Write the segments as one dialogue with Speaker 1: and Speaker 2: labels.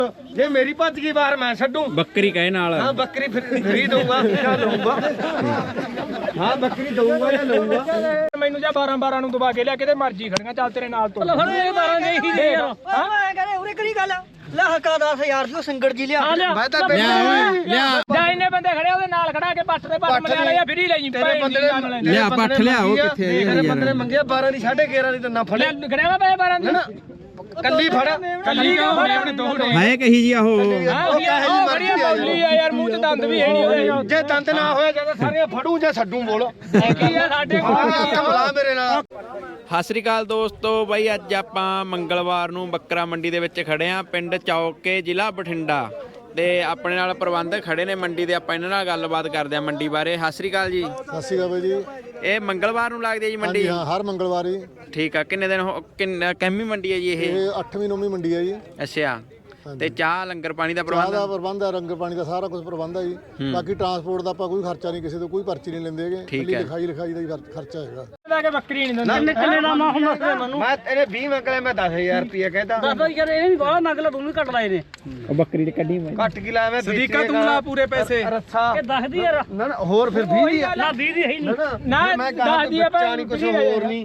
Speaker 1: ਜੇ ਮੇਰੀ ਭੱਜ ਗਈ ਬਾਹਰ ਮੈਂ ਛੱਡੂ
Speaker 2: ਬੱਕਰੀ ਕਹੇ ਨਾਲ।
Speaker 1: ਹਾਂ ਬੱਕਰੀ ਫਿਰ ਹੀ ਦਊਗਾ ਜਾਂ ਲਊਗਾ। ਹਾਂ ਬੱਕਰੀ ਦਊਗਾ ਜਾਂ ਲਊਗਾ।
Speaker 3: ਮੈਨੂੰ ਜਾਂ 12 ਨੂੰ ਦਬਾ ਕੇ ਲਿਆ ਕਿਤੇ ਮਰਜੀ ਖੜੀਆਂ ਚੱਲ ਤੇਰੇ ਨਾਲ ਤੋਂ ਫੜ ਇਹ 12 ਦੇ ਹੀ ਦੇ ਯਾਰ।
Speaker 4: ਹਾਂ ਮੈਂ ਕਹਿੰਦਾ ਉਰੇ ਕਿਹੜੀ ਗੱਲ ਆ ਲੈ ਹੱਕਾ 10000 ਦੀ ਸੰਗੜ ਜੀ ਲਿਆ
Speaker 1: ਮੈਂ ਤਾਂ
Speaker 2: ਲਿਆ
Speaker 3: ਜਾਂ ਇੰਨੇ ਬੰਦੇ ਖੜੇ ਉਹਦੇ ਨਾਲ ਖੜਾ ਕੇ ਪੱਟ ਦੇ ਪੱਟ ਮਲਿਆ ਲਿਆ ਫਿਰ ਹੀ ਲੈ ਜੀ
Speaker 1: ਤੇਰੇ ਬੰਦੇ
Speaker 2: ਲਿਆ ਪੱਠ ਲਿਆਓ ਕਿੱਥੇ
Speaker 1: ਤੇਰੇ ਬੰਦੇ ਮੰਗਿਆ 12 ਦੀ 11.5 ਦੀ ਤਾਂ ਨਾ ਫੜੇ
Speaker 3: ਖੜਿਆ ਵਾ 12 ਦੀ
Speaker 1: ਕੱਲੀ ਫੜ
Speaker 3: ਕੱਲੀ ਕਿਉਂ ਆਪਣੇ ਦੋ
Speaker 2: ਹੈ ਕਹੀ ਜੀ ਉਹ
Speaker 3: ਉਹ ਬੜੀਆ ਬੌਲੀ ਆ ਯਾਰ ਮੂੰਹ ਤੇ ਦੰਦ ਵੀ ਹੈ ਨਹੀਂ ਉਹਦੇ
Speaker 1: ਜੇ ਦੰਦ ਨਾ ਹੋਏ ਜਦੋਂ ਸਾਰੇ ਫੜੂ ਜਾਂ ਛੱਡੂ ਬੋਲ
Speaker 3: ਕੀ ਆ ਸਾਡੇ
Speaker 1: ਕਮਲਾ ਮੇਰੇ ਨਾਲ।
Speaker 2: ਸਤਿ ਸ੍ਰੀ ਅਕਾਲ ਦੋਸਤੋ ਬਾਈ, ਅੱਜ ਆਪਾਂ ਮੰਗਲਵਾਰ ਨੂੰ ਬੱਕਰਾ ਮੰਡੀ ਦੇ ਵਿੱਚ ਖੜੇ ਆਂ, ਪਿੰਡ ਚੌਕੇ, ਜ਼ਿਲ੍ਹਾ ਬਠਿੰਡਾ। ਤੇ ਆਪਣੇ ਨਾਲ ਪ੍ਰਬੰਧਕ ਖੜੇ ਨੇ ਮੰਡੀ ਦੇ, ਆਪਾਂ ਇਹਨਾਂ ਨਾਲ ਗੱਲਬਾਤ ਕਰਦੇ ਆਂ ਮੰਡੀ ਬਾਰੇ। ਸਤਿ ਸ੍ਰੀ ਅਕਾਲ ਜੀ।
Speaker 5: ਸਤਿ ਸ਼੍ਰੀ ਅਕਾਲ ਬਾਈ ਜੀ।
Speaker 2: ਇਹ ਮੰਗਲਵਾਰ ਨੂੰ ਲੱਗਦੀ ਹੈ ਜੀ ਮੰਡੀ?
Speaker 5: ਹਾਂ ਹਰ ਮੰਗਲਵਾਰ ਹੀ।
Speaker 2: ਠੀਕ ਆ। ਕਿੰਨੇ ਦਿਨ ਕਿੰਨੀ ਮੰਡੀ ਹੈ ਜੀ ਇਹ?
Speaker 5: 8ਵੀਂ 9ਵੀਂ ਮੰਡੀ ਹੈ ਜੀ।
Speaker 2: ਅੱਛਾ। ਤੇ ਚਾਹ ਲੰਗਰ ਪਾਣੀ ਦਾ
Speaker 5: ਚਾਹ
Speaker 2: ਪ੍ਰਬੰਧ?
Speaker 5: ਦਾ ਪ੍ਰਬੰਧ ਹੈ, ਲੰਗਰ ਪਾਣੀ ਦਾ ਸਾਰਾ ਕੁਝ ਪ੍ਰਬੰਧ ਹੈ ਜੀ। ਬਾਕੀ ਟਰਾਂਸਪੋਰਟ ਦਾ ਆਪਾਂ ਕੋਈ ਖਰਚਾ ਨਹੀਂ, ਕਿਸੇ ਤੋਂ ਕੋਈ ਪਰਚੀ ਨਹੀਂ ਲੈਂਦੇ ਹੈਗੇ।
Speaker 2: ਠੀਕ ਹੈ।
Speaker 5: ਲਿਖਾਈ ਦਾ ਹੀ ਖਰਚਾ ਹੈਗਾ।
Speaker 3: ਲੈ ਕੇ ਬੱਕਰੀ ਨਹੀਂ ਦਿੰਦੇ ਕਿੰਨੇ ਦਾ ਮਾ ਹੁਣ ਦੱਸ ਮੈਨੂੰ।
Speaker 1: ਮੈਂ ਇਹਨੇ 20 ਮੰਗਲੇ ਮੈਂ 10000 ਰੁਪਏ ਕਹਿੰਦਾ।
Speaker 4: ਦੱਸੋ ਯਾਰ ਇਹ ਵੀ ਬਾਹਲਾ ਮੰਗ ਲਾ ਤੂੰ ਵੀ ਘੱਟ ਲਾਏ ਨੇ
Speaker 2: ਉਹ ਬੱਕਰੀ ਤੇ ਕੱਢੀ ਮੈਂ
Speaker 1: ਘੱਟ ਕੀ ਲਾਇਆ ਮੈਂ
Speaker 3: ਸਦੀਕਾ ਤੂੰ ਲਾ ਪੂਰੇ ਪੈਸੇ
Speaker 1: ਰੱਸਾ
Speaker 4: ਇਹ ਦੱਸਦੀ ਯਾਰ
Speaker 1: ਨਾ ਨਾ ਹੋਰ ਫਿਰ 20 ਦੀ ਆ।
Speaker 4: ਨਾ 20 ਦੀ ਹੈ ਹੀ ਨਹੀਂ
Speaker 3: ਨਾ
Speaker 1: ਮੈਂ
Speaker 3: ਦੱਸ ਦੀ ਆ
Speaker 1: ਨਹੀਂ ਕੁਝ ਹੋਰ ਨਹੀਂ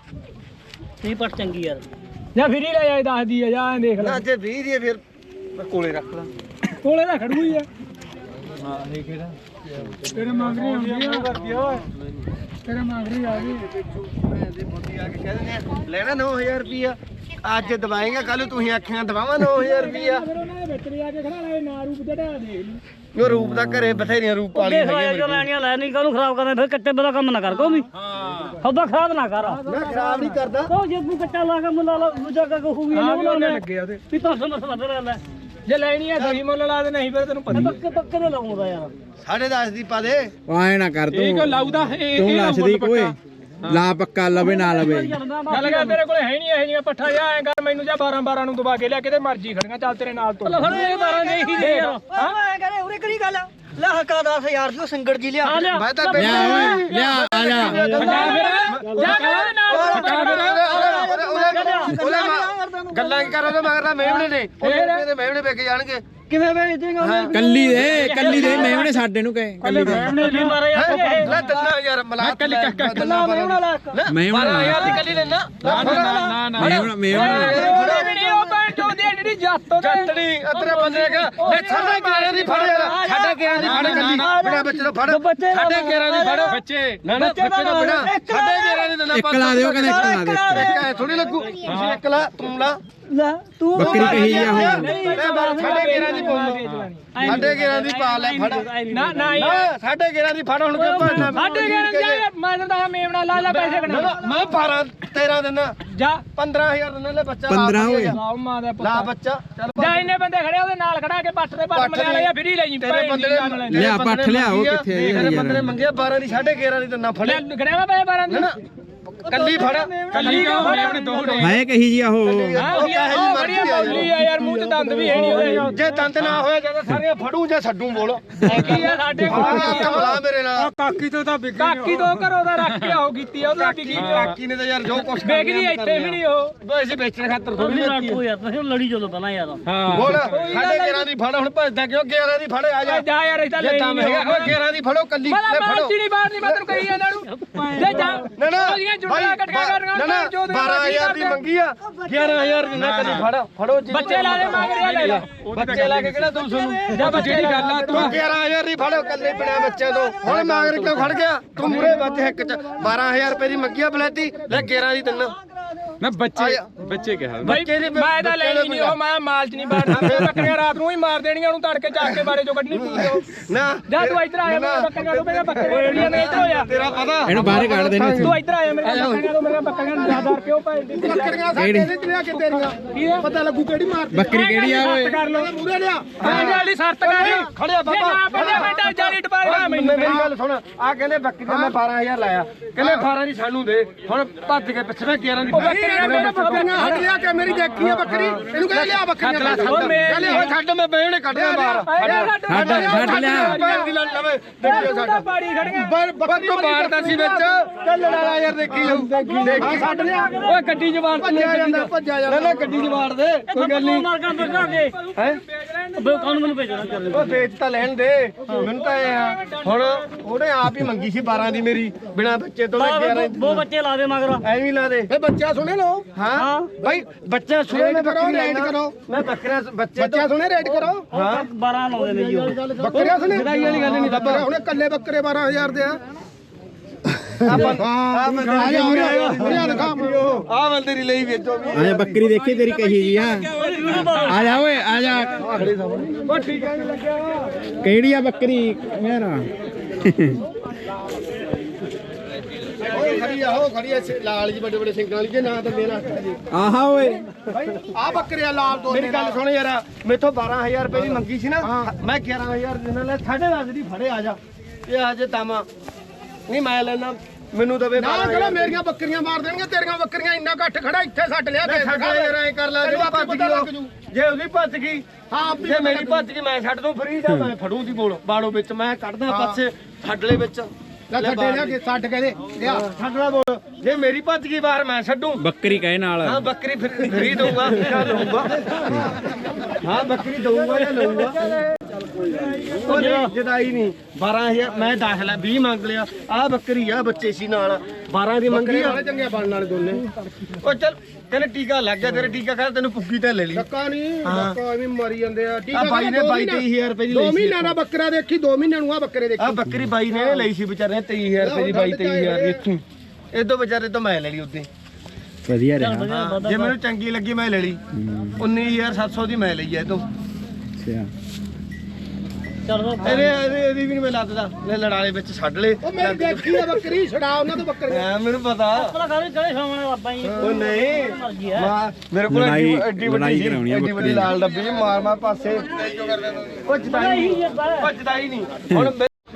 Speaker 4: ਨਹੀਂ ਪਟ ਚੰਗੀ ਯਾਰ
Speaker 3: ਜਾਂ ਫਿਰ ਹੀ ਲੈ ਜਾਏ ਦੱਸ ਦੀ ਆ ਜਾਂ ਦੇਖ ਲੈ
Speaker 1: ਨਾ ਜੇ 20 ਦੀ ਆ ਫਿਰ ਮੈਂ ਕੋਲੇ ਰੱਖ ਲਾ।
Speaker 3: ਕੋਲੇ ਦਾ ਖੜੂ ਹੀ ਆ। ਹਾਂ ਇਹ ਕਿਹੜਾ ਤੇਰੇ ਮੰਗਰੀ ਆਉਂਦੀ ਆ ਕਰਦੀ ਓਏ ਤੇਰੇ ਮੰਗਰੀ ਆ ਗਈ
Speaker 1: ਦੇ ਮੋਦੀ ਆ ਕੇ ਕਹਿ ਦਿੰਦੇ ਆ ਲੈਣਾ 9000 ਰੁਪਿਆ ਅੱਜ ਦਵਾਏਗਾ ਕੱਲ ਤੁਸੀਂ ਆਖੀਆਂ ਦਵਾਵਾਂ 9000 ਰੁਪਿਆ।
Speaker 3: ਫਿਰ ਉਹਨਾਂ ਦੇ ਵਿੱਚ ਲਿਆ ਕੇ ਖੜਾ ਲੈ ਨਾ ਰੂਪ ਜਿਹੜਾ ਦੇਖ ਲਈ
Speaker 1: ਉਹ ਰੂਪ ਦਾ ਘਰੇ ਬਥੇਰੀਆਂ ਰੂਪ ਵਾਲੀ ਹੈਗੀ
Speaker 4: ਜੋ ਲੈਣੀਆਂ ਲੈ ਨਹੀਂ ਕਾਹਨੂੰ ਖਰਾਬ ਕਰਨਾ ਫਿਰ ਕੱਟੇ ਬਲਾ ਕੰਮ ਨਾ ਕਰ ਕੋਈ ਹਾਂ ਸੌਦਾ ਖਰਾਬ ਨਾ ਕਰ
Speaker 1: ਮੈਂ ਖਰਾਬ ਨਹੀਂ ਕਰਦਾ।
Speaker 4: ਉਹ ਜੇ ਤੂੰ ਕੱਟਾ ਲਾ ਕੇ ਮੁੱਲਾ ਲਾ ਦੂਜਾ ਕਾ ਕਹੂਗੀ
Speaker 3: ਹਾਂ
Speaker 4: ਉਹ
Speaker 3: ਉਹਨੇ ਲੱਗੇ ਉਹਦੇ
Speaker 4: ਵੀ ਤਾਂ ਮਸਲਾ ਤੇ ਲੈ
Speaker 3: ਜੇ ਲੈਣੀ ਆ ਸਹੀ ਮੁੱਲ ਲਾ ਦੇ, ਨਹੀਂ ਫਿਰ ਤੈਨੂੰ ਪਤਾ
Speaker 4: ਪੱਕੇ ਪੱਕੇ ਦੇ ਲਾਉਂਦਾ ਯਾਰ
Speaker 1: 10.5 ਦੀ ਪਾ ਦੇ।
Speaker 2: ਆਏ ਨਾ ਕਰ
Speaker 3: ਇਹ ਕੋ
Speaker 2: ਤੂੰ
Speaker 3: ਲਾਉਦਾ
Speaker 2: ਤੂੰ ਦੱਸਦੀ ਕੋਈ ਲਾ ਪੱਕਾ ਲਵੇ ਨਾ ਲਵੇ।
Speaker 3: ਗੱਲ ਕਰ ਤੇਰੇ ਕੋਲੇ ਹੈ ਨਹੀਂ ਇਹ ਜੀਆਂ ਪੱਠਾ ਜਾ ਐਂ ਕਰ ਮੈਨੂੰ ਜਾਂ 12 ਨੂੰ ਦਬਾ ਕੇ ਲਿਆ ਕਿਤੇ ਮਰਜੀ ਖੜੀਆਂ ਚੱਲ ਤੇਰੇ ਨਾਲ ਤੋਂ
Speaker 4: ਫੜ ਇਹ 12 ਦੇ ਹੀ ਦੇ ਯਾਰ ਹਾਂ ਮੈਂ ਕਹਿੰਦਾ ਉਰੇ ਕਿਹੜੀ ਗੱਲ ਆ ਲੈ ਹੱਕਾ 10000 ਦੀ ਸੰਗੜ ਜੀ ਲਿਆ
Speaker 1: ਮੈਂ ਤਾਂ
Speaker 2: ਲਿਆ ਆ ਜਾ
Speaker 1: ਗੱਲਾਂ ਕੀ ਕਰ ਰਹੇ ਮਗਰ ਮੇਵਣੇ ਨੇ ਉਹਦੇ ਮੇਵਣੇ ਵੇਖ ਜਾਣਗੇ।
Speaker 4: ਕਿਵੇਂ ਵੇਚ ਦੇਗਾ
Speaker 2: ਕੱਲੀ ਦੇ ਮੇਵਣੇ ਸਾਡੇ ਨੂੰ ਕਹੇ ਕੱਲੀ ਦੇ
Speaker 4: ਨਹੀਂ ਮਾਰੇ
Speaker 1: ਲੈ ਤੰਨਾ ਯਾਰ ਮਲਾ ਕੱਲੀ
Speaker 4: ਕੱਲਾ ਮੇਵਣਾ ਲਾ
Speaker 2: ਮੇਵਣਾ
Speaker 1: 12,000 ਦੀ ਕੱਲੀ ਲੈਣਾ
Speaker 2: ਮੇਵਣਾ
Speaker 3: ਉਹ ਭੈਣ ਚੋਦੀ ਜਿਹੜੀ ਜੱਤ ਤੋਂ
Speaker 1: ਜੱਤੜੀ ਅਤਰੇ ਬੰਦੇ ਕਾ ਲੈ ਛੱਡੇ ਗੇਰਾਂ ਦੀ ਫੜ ਯਾਰ ਛੱਡੇ ਗੇਰਾਂ ਦੀ ਫੜ ਕੱਲੀ ਬਿਨਾ ਬੱਚੇ ਨੂੰ ਫੜ ਛੱਡੇ ਗੇਰਾਂ ਦੀ ਫੜ ਬੱਚੇ ਨਾ ਨਾ ਬੱਚੇ ਨੂੰ ਬਿਨਾ ਛੱਡੇ ਗੇਰਾਂ ਦੀ ਨਾ
Speaker 2: ਇੱਕ ਲਾ ਦਿਓ ਕਹਿੰਦੇ ਇੱਕ ਲਾ ਦੇ
Speaker 1: ਇੱਕ ਐ ਥੋੜੀ ਲੱਗੂ ਤੁਸੀਂ ਇੱਕ ਲਾ ਤੂੰ ਲਾ
Speaker 4: ਲੈ ਤੂੰ
Speaker 2: ਬੱਕਰੀ ਕਹੀ ਆ ਉਹ
Speaker 1: ਮੈਂ ਬਾਰ ਛੱਡੇ ਗੇਰਾਂ ਦੀ ਪਾਉਂ ਛੱਡੇ ਗੇਰਾਂ ਦੀ ਪਾ ਲੈ ਫੜ
Speaker 3: ਨਾ ਨਾ
Speaker 1: ਛੱਡੇ ਗੇਰਾਂ ਦੀ ਫੜ ਹੁਣ ਕਿਉਂ ਭਰਨਾ
Speaker 3: ਸਾਡੇ ਘਰ ਜਾ ਮੈਂ ਤਾਂ ਮੇਵਣਾ ਲਾ ਲੈ ਪੈਸੇ ਕਢਾ
Speaker 1: ਮੈਂ 12 13 ਦਿਨ
Speaker 3: ਜਾ
Speaker 1: 15000 ਦਿਨ ਲੈ ਬੱਚਾ
Speaker 2: 15 ਹੋਏ
Speaker 3: ਲਾਓ ਮਾਂ ਦਾ
Speaker 1: ਲਾ ਬੱਚਾ ਚੱਲ
Speaker 3: ਜਾਂ ਇੰਨੇ ਬੰਦੇ ਖੜੇ ਉਹਦੇ ਨਾਲ ਖੜਾ ਕੇ ਪੱਟ ਦੇ ਪੱਟ ਮਲਿਆ ਲਿਆ ਫਿਰ ਹੀ ਲੈ ਜੀ
Speaker 1: ਤੇਰੇ ਬੰਦੇ
Speaker 2: ਲਿਆ ਪੱਠ ਲਿਆਓ ਕਿੱਥੇ ਹੈ
Speaker 1: ਤੇਰੇ
Speaker 2: ਯਾਰ
Speaker 1: ਬੰਦੇ ਨੇ ਮੰਗਿਆ 12 ਦੀ 11.5 ਦੀ ਤਾਂ ਨਾ ਫੜੇ
Speaker 3: ਖੜਿਆ ਵਾ 12 ਦੀ
Speaker 1: ਕੱਲੀ ਫੜ
Speaker 3: ਕੱਲੀ ਕਿਉਂ ਆਪਣੇ ਦੋ
Speaker 2: ਹੈ ਕਹੀ ਜੀ ਉਹ
Speaker 3: ਉਹ ਬੜੀਆ ਬੌਲੀ ਆ ਯਾਰ ਮੂੰਹ ਤੇ ਦੰਦ ਵੀ ਹੈ ਨਹੀਂ ਉਹਦੇ
Speaker 1: ਜੇ ਦੰਦ ਨਾ ਹੋਏ ਜਦੋਂ ਸਾਰੇ ਫੜੂ ਜਾਂ ਛੱਡੂ ਬੋਲ
Speaker 3: ਕੀ ਆ ਸਾਡੇ
Speaker 1: ਕਮਲਾ ਮੇਰੇ ਨਾਲ
Speaker 3: ਕਾਕੀ ਤੋਂ ਘਰੋਂ ਦਾ ਰੱਖ ਕੇ ਆਓ ਕੀਤੀ ਆ ਉਹਦਾ ਵੀ ਕੀ
Speaker 1: ਕਾਕੀ ਨੇ ਤਾਂ ਯਾਰ ਜੋ ਕੁਛ
Speaker 3: ਵੇਚਦੀ ਇੱਥੇ ਵੀ ਨਹੀਂ ਉਹ
Speaker 1: ਵੈਸੇ ਵੇਚਣ ਖਾਤਰ ਥੋੜੀ
Speaker 4: ਤੂੰ ਯਾਰ ਤੁਸੀਂ ਲੜੀ ਚਲੋ ਪਹਿਲਾਂ ਯਾਰ
Speaker 1: ਬੋਲ ਸਾਡੇ 11 ਦੀ ਫੜ ਹੁਣ ਭੱਜਦਾ ਕਿਉਂ 11 ਦੀ ਫੜ ਆ ਜਾ
Speaker 3: ਜਾ ਯਾਰ ਇਦਾਂ ਲੈ
Speaker 1: ਤਾਂ ਮੈਂ ਹੈਗਾ 11 ਦੀ ਫੜੋ ਕੱਲੀ ਲੈ ਫੜੋ
Speaker 3: ਚੀੜੀ ਬਾਹਰ ਨਹੀਂ ਮੈਂ ਤੈਨੂੰ ਕਹੀ ਜਾਂਦਾ ਨੂੰ ਜੇ ਜਾ
Speaker 1: ਨਾ ਨਾ
Speaker 3: ਉਹਦੀਆਂ ਜੁੱਟੀਆਂ ਕਟਕਾ ਕਰਨਾ
Speaker 1: ਨਾ ਨਾ 12000 ਦੀ ਮੰਗੀ ਆ 11000 ਦੀ ਨਾ ਕੱਲੀ ਫੜੋ ਜੀ
Speaker 3: ਬੱਚੇ ਲਾ ਲੈ ਮੰਗ ਰਿਹਾ ਲੈ ਲੈ
Speaker 1: ਬੱਚੇ ਲਾ ਕੇ ਕਿਹੜਾ 200 ਨੂੰ
Speaker 3: ਜਾਂ ਜਿਹੜੀ ਗੱਲ ਆ
Speaker 1: ਤੂੰ 11000 ਦੀ ਫੜੋ ਕੱਲੇ ਬਿਨਾ ਬੱਚੇ ਤੋਂ ਹੁਣ ਮਾਗਰ ਕਿਉਂ ਖੜ ਗਿਆ ਤੂੰ ਮੂਰੇ ਬੱਚ ਇੱਕ ਚ 12000 ਰੁਪਏ ਦੀ ਮੰਗੀ ਆ ਬਲੈਤੀ ਲੈ 11 ਦੀ ਤਿੰਨ
Speaker 3: ਨਾ ਬੱਚੇ ਕਿਹਾ ਮੈਂ ਤਾਂ ਲੈਣੀ ਨਹੀਂ ਉਹ ਮੈਂ ਮਾਲ ਚ ਨਹੀਂ ਬਾੜਨਾ ਬੱਕਰੀਆਂ ਰਾਤ ਨੂੰ ਹੀ ਮਾਰ ਦੇਣੀਆਂ ਉਹਨੂੰ ਤੜਕੇ ਚੱਕ ਕੇ ਬਾੜੇ ਚੋਂ ਕੱਢਣੀ ਪੂਰੀ
Speaker 1: ਨਾ
Speaker 3: ਜਾ ਤੂੰ ਇੱਧਰ ਆਇਆ ਮੇਰੇ ਬੱਕਰੀਆਂ ਨੂੰ ਮੇਰਾ ਬੱਕਰੀਆਂ ਨੇ ਇੱਧਰ ਹੋਇਆ
Speaker 1: ਤੇਰਾ ਪਤਾ
Speaker 2: ਇਹਨੂੰ ਬਾਹਰ ਕੱਢ ਦੇਣਾ
Speaker 3: ਤੂੰ ਇੱਧਰ ਆਇਆ ਮੇਰੇ ਬੱਕਰੀਆਂ ਨੂੰ ਮੇਰੀਆਂ ਬੱਕਰੀਆਂ ਨੂੰ 10 ਰੁਪਏ ਉਹ ਭਾਈ
Speaker 1: ਬੱਕਰੀਆਂ ਸਾਡੇ ਦੇ ਲਿਆ ਕੇ ਤੇਰੀਆਂ ਪਤਾ ਲੱਗੂ ਕਿਹੜੀ ਮਾਰ
Speaker 2: ਬੱਕਰੀ ਕਿਹੜੀ ਆ ਓਏ
Speaker 3: ਕਰ ਲੋ
Speaker 1: ਮੂਰੇ ਲਿਆ
Speaker 3: ਹਾਂ ਵਾਲੀ ਸ਼ਰਤ ਕਰ
Speaker 1: ਖੜਿਆ ਬਾਬਾ
Speaker 3: ਨਾ ਪੜਿਆ ਬੇਟਾ ਜਾਲੀ ਟਪਾਇਆ ਮੈਨੂੰ
Speaker 1: ਮੇਰੀ ਗੱਲ ਸੁਣ ਆ ਕਹਿੰਦੇ ਬੱਕਰੀ ਦਾ ਮੈਂ 12000 ਲਾਇਆ ਕਹਿੰਦੇ 18 ਦੀ ਸਾਨੂੰ ਦੇ ਹੁਣ ਭੱਜ ਕੇ ਪਿੱਛੇ 11 ਦੀ
Speaker 3: ਬੱਕਰੀ
Speaker 1: ਬੱਕਰੀਆਂ ਹਟ ਲਿਆ ਕੇ ਮੇਰੀ ਦੇਖੀ ਆ ਬੱਕਰੀ ਇਹਨੂੰ ਕਹਿੰਦੇ ਲਿਆ ਬੱਕਰੀਆਂ ਛੱਡ ਮੈਂ ਬੇੜੇ ਕੱਢਿਆ ਬਾਹਰ
Speaker 2: ਛੱਡ ਲਿਆ
Speaker 3: ਪਾੜੀ ਖੜੀਆਂ
Speaker 1: ਬੱਕੋ ਮਾਰਦਾ ਸੀ ਵਿੱਚ ਚੱਲ ਲੜਾ ਯਾਰ ਦੇਖੀ ਜਾਊ ਦੇਖੀ ਛੱਡ ਲਿਆ ਓਏ ਗੱਡੀ ਜਵਾਨ ਭੱਜਿਆ ਜਾਂਦਾ ਨਾ ਗੱਡੀ ਜਵਾਨ ਦੇ ਕੋਈ ਗੱਲ ਨਹੀਂ ਹੈ
Speaker 4: ਕੌਣ ਮੈਨੂੰ ਭੇਜਣਾ ਚੱਲ
Speaker 1: ਉਹ ਵੇਚ ਤਾਂ ਲੈਣ ਦੇ ਮੈਨੂੰ ਤਾਂ ਇਹ ਆ ਹੁਣ ਉਹਨੇ ਆਪ ਹੀ ਮੰਗੀ ਸੀ 12 ਦੀ ਮੇਰੀ ਬਿਨਾ ਬੱਚੇ ਤੋਂ 11
Speaker 4: ਦੋ ਬੱਚੇ ਲਾ ਦੇ ਮਗਰ
Speaker 1: ਐਵੇਂ ਲਾ ਦੇ ਫੇ ਬੱਚਾ ਸੁਣੇ ਲੋ ਹਾਂ ਭਾਈ ਬੱਚਾ ਸੁਣੇ ਮੈਂ ਬੱਕਰੀ ਰੇਟ ਕਰੋ ਮੈਂ ਬੱਕਰਾ ਬੱਚਾ ਸੁਣੇ ਰੇਟ ਕਰੋ ਹਾਂ
Speaker 4: 12 ਲਾਉਂਦੇ ਨੇ ਜੀ ਉਹ
Speaker 1: ਬੱਕਰੀਆਂ ਸੁਣੇ ਜਦਾਈ ਵਾਲੀ ਗੱਲ ਨਹੀਂ ਬੱਕਰਾ ਹੁਣੇ ਕੱਲੇ ਬੱਕਰੇ 12000 ਦੇ ਆ ਆ ਬੰਦੇ ਦੀ ਲਈ ਵੇਚੋ ਵੀ
Speaker 2: ਆ ਬੱਕਰੀ ਦੇਖੀ ਤੇਰੀ ਕਹੀ ਜੀ ਆ ਜਾ ਓਏ ਆ ਜਾ
Speaker 1: ਉਹ ਠੀਕ ਹੈ ਲੱਗਿਆ
Speaker 2: ਕਿਹੜੀ ਆ ਬੱਕਰੀ ਮੇਰਾ
Speaker 1: ਖੜੀ ਆ ਉਹ ਖੜੀ ਆ ਲਾਲ ਜੀ ਵੱਡੇ ਵੱਡੇ ਸਿੰਘਾਂ ਵਾਲੀ ਜੇ ਨਾ ਤਾਂ ਮੇਰਾ ਜੀ
Speaker 2: ਆਹਾ ਓਏ
Speaker 1: ਭਾਈ ਆ ਬੱਕਰੇ ਆ ਲਾਲ ਦੋ ਮੇਰੀ ਗੱਲ ਸੁਣ ਯਾਰ ਮੇਥੋਂ 12000 ਰੁਪਏ ਦੀ ਮੰਗੀ ਸੀ ਨਾ ਮੈਂ 11000 ਦੇ ਨਾਲ 10.5 ਦੀ ਫੜੇ ਆ ਜਾ ਇਹ ਆ ਜੇ ਤਾਮਾ ਨਹੀਂ ਮੈਂ ਲੈਣਾ ਮੈਨੂੰ ਦਵੇ ਨਾ ਚਲੋ ਮੇਰੀਆਂ ਬੱਕਰੀਆਂ ਮਾਰ ਦੇਣਗੇ ਤੇਰੀਆਂ ਬੱਕਰੀਆਂ ਇੰਨਾ ਘੱਟ ਖੜਾ ਇੱਥੇ ਛੱਡ ਲਿਆ ਤੇ ਯਾਰ ਐ ਕਰ ਲੈ ਜਿਹੜੀ ਭੱਜ ਗਈ ਜੇ ਉਹਦੀ ਭੱਜ ਗਈ ਹਾਂ ਜੇ ਮੇਰੀ ਭੱਜ ਗਈ ਮੈਂ ਛੱਡ ਦੂੰ ਫਰੀ ਜਾਂ ਮੈਂ ਫੜੂ ਦੀ ਬੋਲ ਬਾੜੋ ਵਿੱਚ ਮੈਂ ਕੱਢਦਾ ਪਾਸੇ ਛੱਡ ਲੈ ਵਿੱਚ ਲੈ ਛੱਡੇ ਲਿਆ ਕਿ ਛੱਡ ਕੇ ਦੇ ਲਿਆ ਛੱਡਣਾ ਬੋਲ ਜੇ ਮੇਰੀ ਭੱਜ ਗਈ ਬਾਹਰ ਮੈਂ ਛੱਡੂ
Speaker 2: ਬੱਕਰੀ ਕਹੇ ਨਾਲ
Speaker 1: ਹਾਂ ਬੱਕਰੀ ਫਰੀ ਦਊਗਾ ਜਾਂ ਲਊਗਾ ਹਾਂ ਬੱਕਰੀ ਦਊਗਾ ਜਾਂ ਲਊਗਾ ਉਹ ਨਹੀਂ ਜਦਾਈ ਨਹੀਂ 12000 ਮੈਂ ਦਾਖਲਾ 20 ਮੰਗ ਲਿਆ ਆਹ ਬੱਕਰੀ ਆ ਬੱਚੇ ਸੀ ਨਾਲ 12 ਦੀ ਮੰਗੀ ਆ ਚੰਗੇ ਬਣਨ ਵਾਲੇ ਦੋਨੇ ਉਹ ਚੱਲ ਕਹਿੰਦੇ ਟੀਕਾ ਲੱਗ ਗਿਆ ਤੇਰੇ ਟੀਕਾ ਕਰ ਤੈਨੂੰ ਪੁੱਗੀ ਤੇ ਲੈ ਲਈ ਧੱਕਾ ਨਹੀਂ ਧੱਕਾ ਐਵੇਂ ਮਰੀ ਜਾਂਦੇ ਆ ਟੀਕਾ ਬਾਈ ਨੇ 22000 ਰੁਪਏ ਦੀ ਲਈ ਸੀ 2 ਮਹੀਨਿਆਂ ਦਾ ਬੱਕਰਾ ਦੇਖੀ 2 ਮਹੀਨਿਆਂ ਨੂੰ ਆ ਬੱਕਰੇ ਦੇਖੀ ਆ ਬੱਕਰੀ ਬਾਈ ਨੇ ਲਈ ਸੀ ਵਿਚਾਰੇ ਨੇ 23000 ਰੁਪਏ ਦੀ 23000 ਦੀ ਇੱਥੋਂ ਇਦੋਂ ਵਿਚਾਰੇ ਤੋਂ ਮੈਂ ਲੈ ਲਈ ਉਦੋਂ
Speaker 2: ਵਧੀਆ ਰਿਹਾ
Speaker 1: ਜੇ ਮੈਨੂੰ ਚੰਗੀ ਲੱਗੀ ਮੈਂ ਲੈ ਲਈ 19700 ਦੀ ਮੈਂ ਲਈ ਐ ਤੋਂ
Speaker 2: ਅੱਛਾ
Speaker 4: ਚੱਲ ਦੋ
Speaker 1: ਇਹਦੀ ਵੀ ਨਹੀਂ ਮੈਂ ਲੱਦਦਾ ਲੈ ਲੜਾਲੇ ਵਿੱਚ ਛੱਡ ਲੈ ਉਹ ਮੇਰੀ ਦੇਖੀ ਆ ਬੱਕਰੀ ਛਡਾ ਉਹਨਾਂ ਤੋਂ ਬੱਕਰੀ ਮੈਨੂੰ ਪਤਾ
Speaker 4: ਆਪਣਾ ਘਰੇ ਚੜੇ ਸਾਹਮਣੇ ਬਾਬਾ ਜੀ
Speaker 1: ਉਹ ਨਹੀਂ ਮੇਰੇ ਕੋਲ ਐਡੀ ਵੱਡੀ ਲਾਲ ਡੱਬੀ ਮਾਰ ਪਾਸੇ ਉਹ ਜਦਾਈ ਨਹੀਂ ਹੁਣ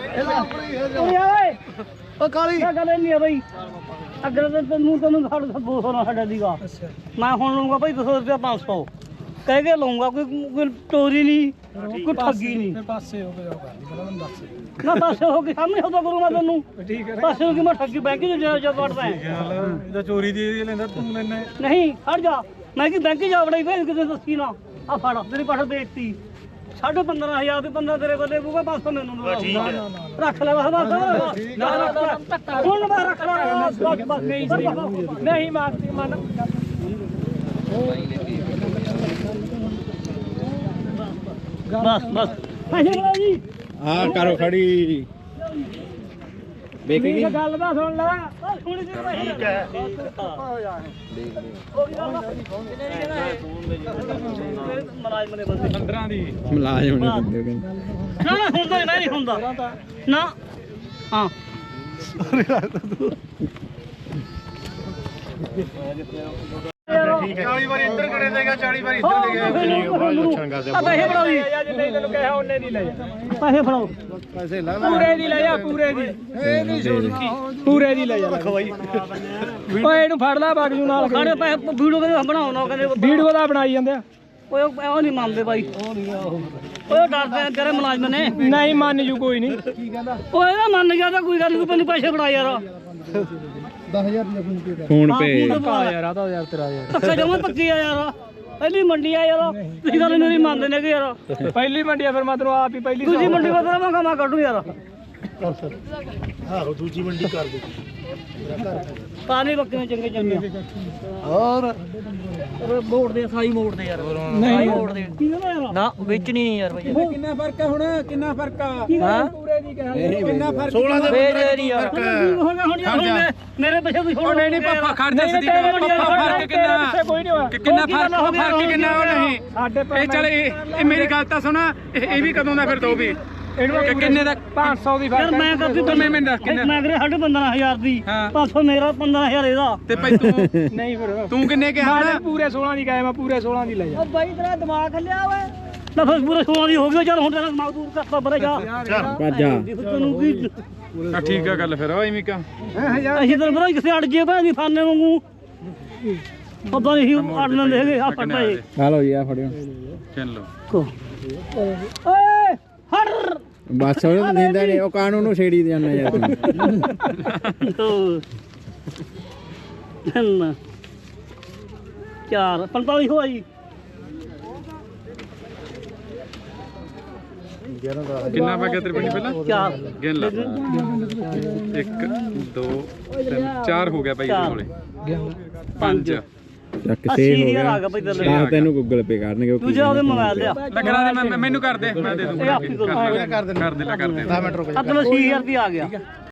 Speaker 4: ਓਏ
Speaker 1: ਉਹ ਕਾਲੀ
Speaker 4: ਇਹ ਗੱਲ ਨਹੀਂ ਆ ਬਈ ਅਗਰ ਤੈਨੂੰ 200 ਨਾ ਸਾਡਾ ਦੀਗਾ ਮੈਂ ਹੁਣ ਲਊਂਗਾ ਭਾਈ 200 ਰੁਪਏ 500 ਕਹਿ ਕੇ ਲਊਂਗਾ ਕੋਈ ਚੋਰੀ ਨਹੀਂ ਕੋਈ ਠੱਗੀ ਨਹੀਂ
Speaker 3: ਪਾਸੇ ਹੋ ਗਿਆ ਦੱਸ
Speaker 4: ਨਾ ਪਾਸੇ ਹੋ ਕੇ ਸਾਹਮਣੇ ਹੋਦਾ ਕਰੂੰਗਾ ਤੈਨੂੰ ਠੀਕ ਹੈ ਪਾਸੇ ਹੋ ਕੇ ਮੈਂ ਠੱਗੀ ਬੈਂਕ ਚ ਜਾ ਵੜਦਾ
Speaker 3: ਇਹਦਾ ਚੋਰੀ ਦੀ ਲੈਂਦਾ ਤੂੰ ਲੈਣਾ
Speaker 4: ਨਹੀਂ ਹਟ ਜਾ ਮੈਂ ਕਿ ਬੈਂਕ ਜਾ ਵੜਾਈ ਵੇ ਕਿਤੇ ਦੱਸੀ ਨਾ ਆ ਫੜ ਤੇਰੀ ਪਾਠ ਦੇਤੀ 15000 ਦੇ 15 ਤੇਰੇ ਕੋਲੇ ਪੂਗਾ 500 ਮੈਨੂੰ ਰੱਖ ਲੈ ਬਸ ਨਾ ਹੁਣ ਮੈਂ ਰੱਖ ਲੈ
Speaker 3: ਨਹੀਂ ਮਾਰਦੀ ਮਨ
Speaker 4: ਬਸ ਪੈਸੇ ਬਣਾ ਜੀ
Speaker 2: ਆ ਕਰੋ ਖੜੀ ਵੇਖ ਗਈ
Speaker 4: ਗੱਲ ਦਾ ਸੁਣ ਲੈ ਸੁਣ ਜੀ ਠੀਕ ਹੈ ਮਲਾਜ਼ਮ ਨੇ ਬੰਦੇ
Speaker 3: 15 ਦੀ
Speaker 2: ਮੁਲਾਜ਼ਮ ਨੇ ਬੰਦੇ ਕਹਿੰਦੇ
Speaker 4: ਨਾ ਹੁੰਦਾ ਨਹੀਂ ਹੁੰਦਾ ਨਾ ਹਾਂ
Speaker 1: ਠੀਕ ਹੈ 40 ਵਾਰੀ ਇੱਧਰ ਖੜੇ ਦੇਗਾ 40 ਵਾਰੀ ਇੱਧਰ ਦੇ ਗਿਆ
Speaker 4: ਪੈਸੇ ਫੜਾਓ ਜੀ
Speaker 3: ਜੇ ਨਹੀਂ ਤੈਨੂੰ ਕਿਹਾ ਉਹਨੇ ਦੀ ਲੈ ਜਾ
Speaker 4: ਪੈਸੇ ਫੜਾਓ
Speaker 1: ਪੈਸੇ ਲਾ
Speaker 3: ਪੂਰੇ ਦੀ ਲੈ ਜਾ ਪੂਰੇ ਦੀ ਪੂਰੇ ਦੀ ਲੈ ਜਾ ਓਏ ਇਹਨੂੰ ਫੜ ਲੈ ਬਾਗਜੂ ਨਾਲ
Speaker 4: ਸਾਡੇ ਪੈਸੇ ਵੀਡੀਓ ਕਹਿੰਦੇ ਬਣਾਉਣਾ ਕਹਿੰਦੇ
Speaker 3: ਵੀਡੀਓ ਦਾ ਬਣਾਈ ਜਾਂਦੇ ਆ
Speaker 4: ਓਏ ਉਹ ਨਹੀਂ ਮੰਨਦੇ ਬਾਈ ਓਏ ਡਰਦੇ ਆ ਤੇਰੇ ਮੁਲਾਜ਼ਮ ਨੇ
Speaker 3: ਨਹੀਂ ਮੰਨ ਜੂ ਕੋਈ ਨਹੀਂ ਕੀ ਕਹਿੰਦਾ
Speaker 4: ਓਏ ਇਹਦਾ ਮੰਨ ਗਿਆ ਤਾਂ ਕੋਈ ਗੱਲ ਨਹੀਂ ਤੈਨੂੰ ਪੈਸੇ ਫੜਾ ਯਾਰ
Speaker 5: 10000
Speaker 2: ਫੋਨ ਪੇ
Speaker 3: ਯਾਰ ਆ ਤਾਂ ਯਾਰ ਤੇਰਾ ਯਾਰ
Speaker 4: ਪੱਕਾ ਜਮਾ ਪੱਕੀ ਆ ਯਾਰ ਪਹਿਲੀ ਮੰਡੀ ਆ ਯਾਰ ਤੁਸੀਂ ਗੱਲ ਨਹੀਂ ਮੰਨਦੇ ਨੇ ਕਿ ਯਾਰ
Speaker 3: ਪਹਿਲੀ ਮੰਡੀ ਆ ਫਿਰ ਮੈਂ ਤੈਨੂੰ ਆਪ ਹੀ ਪਹਿਲੀ
Speaker 4: ਦੂਜੀ ਮੰਡੀ ਬਦਲਾ ਮੈਂ ਕੱਢੂ ਯਾਰ
Speaker 5: ਆਹੋ ਦੂਜੀ ਮੰਡੀ ਕਰ ਦੇ
Speaker 4: ਪਾਣੀ ਬੱਕਰੀਆਂ ਚੰਗੇ ਚੰਗੇ
Speaker 5: ਹੋਰ
Speaker 4: ਮੋੜ ਦੇ ਸਾਈ ਮੋੜ ਦੇ ਯਾਰ
Speaker 3: ਨਹੀਂ
Speaker 4: ਮੋੜ ਦੇ ਨਾ ਵੇਚਣੀ ਨਹੀਂ ਯਾਰ ਬਾਈ
Speaker 3: ਕਿੰਨਾ ਫਰਕ ਆ ਹੁਣ ਕਿੰਨਾ ਫਰਕ ਆ
Speaker 4: ਹਾਂ
Speaker 3: ਪੂਰੇ ਦੀ ਕਿਹਾ ਕਿੰਨਾ ਫਰਕ
Speaker 5: 16 ਦੇ
Speaker 4: ਵੇਚ ਨਹੀਂ ਯਾਰ ਹੁਣ ਮੇਰੇ ਪੈਸੇ ਤੁਸੀਂ ਹੁਣ
Speaker 3: ਨਹੀਂ ਪਾਪਾ ਖੜ ਜਾ ਸਿੱਧੀ ਪਾਪਾ ਫਰਕ ਕਿੰਨਾ
Speaker 4: ਕੋਈ ਨਹੀਂ ਹੋਇਆ
Speaker 3: ਕਿੰਨਾ ਫਰਕ ਕਿੰਨਾ ਉਹ ਨਹੀਂ ਸਾਡੇ ਇਹ ਚੱਲ ਇਹ ਮੇਰੀ ਗੱਲ ਤਾਂ ਸੁਣਾ ਇਹ ਵੀ ਕਦੋਂ ਦਾ ਫਿਰ ਦੋ ਵੀ ਇਹਨੂੰ ਕਿੰਨੇ ਦਾ 500 ਦੀ
Speaker 4: ਯਾਰ ਮੈਂ ਕਰਦੀ
Speaker 3: ਮੈਂ ਦੱਸ ਕਿੰਨਾ
Speaker 4: ਮੈਂ ਕਰੇ 15000 ਦੀ 500 ਮੇਰਾ 15000 ਇਹਦਾ
Speaker 3: ਤੇ ਭਾਈ ਤੂੰ ਨਹੀਂ ਫਿਰ ਤੂੰ ਕਿੰਨੇ ਕਿਹਾ ਨਾ ਪੂਰੇ 16 ਦੀ ਕਹੇ ਮੈਂ ਪੂਰੇ 16 ਦੀ ਲੈ ਜਾ
Speaker 4: ਉਹ ਬਾਈ ਤੇਰਾ ਦਿਮਾਗ ਖੱਲਿਆ ਓਏ ਨਾ ਫਿਰ ਪੂਰੇ 16 ਦੀ ਹੋ ਗਈ ਚੱਲ ਹੁਣ ਤੇਰਾ ਦਿਮਾਗ ਦੂਰ ਕਰਤਾ ਬਰੇ ਜਾ
Speaker 2: ਭੱਜ ਜਾ
Speaker 4: ਤੈਨੂੰ ਕੀ
Speaker 3: ਠੀਕ ਆ ਗੱਲ ਫਿਰ ਓਏ ਮਿਕਾ
Speaker 4: ਅਸੀਂ ਤਾਂ ਬਰਾ ਕਿਸੇ ਅੜ ਜੇ ਭਾਂ ਦੀ ਫਾਨੇ ਵਾਂਗੂ ਪਤਾ ਨਹੀਂ ਅੜ ਲੈਂਦੇ ਹੈਗੇ ਆ ਫੜਦਾ ਇਹ
Speaker 2: ਆ ਲਓ ਜੀ ਆ ਫੜਿਓ
Speaker 3: ਚਲ ਲਓ
Speaker 4: ਓਏ ਹਰ
Speaker 2: ਬਸ ਉਹ ਦਿੰਦਾ ਨਹੀਂ ਉਹ ਕਾਨੂੰ ਨੂੰ ਛੇੜੀ ਜਾਂਦਾ ਯਾਰ
Speaker 4: ਤੂੰ 3 4 45 ਹੋਇਆ ਜੀ
Speaker 3: ਕਿੰਨਾ ਪਾ ਗਿਆ ਤੇਰੇ ਪਿੰਡ ਪਹਿਲਾਂ
Speaker 4: 4
Speaker 3: ਗਿਣ ਲਾ 1 2 3 4 ਹੋ ਗਿਆ ਭਾਈ ਇਹਦੇ ਕੋਲੇ 5
Speaker 2: ਚੱਕ
Speaker 4: 80,000 ਆ ਗਿਆ ਭਾਈ ਤੇਰੇ
Speaker 2: ਆਹ ਤੈਨੂੰ ਗੂਗਲ ਪੇ ਕਰਨਗੇ
Speaker 4: ਤੂੰ ਜਾ ਉਹਦੇ ਮੋਬਾਈਲ ਲਿਆ
Speaker 3: ਮੈਂ ਕਰਾ ਦੇ ਮੈਨੂੰ ਕਰ ਦੇ ਮੈਂ ਦੇ
Speaker 4: ਇਹ
Speaker 3: ਦੂੰਗਾ
Speaker 4: ਆਪੀ ਕਰੋ
Speaker 3: ਕਰ ਦੇ 10 ਮਿੰਟ ਰੁਕ
Speaker 4: ਆ ਤੈਨੂੰ 80,000 ਰੁਪਏ ਆ ਗਿਆ